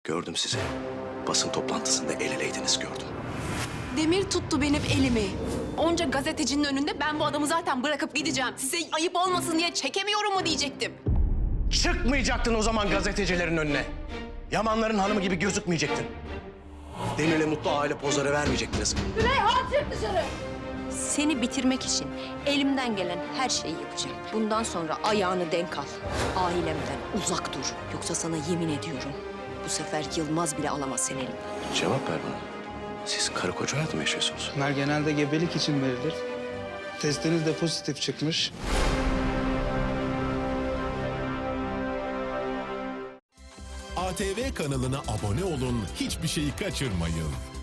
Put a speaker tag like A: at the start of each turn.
A: Gördüm sizi. Basın toplantısında el eleydiniz gördüm.
B: Demir tuttu benim elimi. Onca gazetecinin önünde ben bu adamı zaten bırakıp gideceğim. Size ayıp olmasın diye çekemiyorum mu diyecektim.
A: Çıkmayacaktın o zaman gazetecilerin önüne. Yamanların hanımı gibi gözükmeyecektin. Demir'le mutlu aile pozları vermeyecektiniz.
C: Seni bitirmek için elimden gelen her şeyi yapacağım. Bundan sonra ayağını denk al. Ailemden uzak dur. Yoksa sana yemin ediyorum, bu sefer Yılmaz bile alamaz seni elimden.
A: Cevap ver bana. Siz karı koca hayatı mı yaşıyorsunuz?
D: Bunlar genelde gebelik için verilir. Testiniz de pozitif çıkmış.
E: ATV kanalına abone olun, hiçbir şeyi kaçırmayın.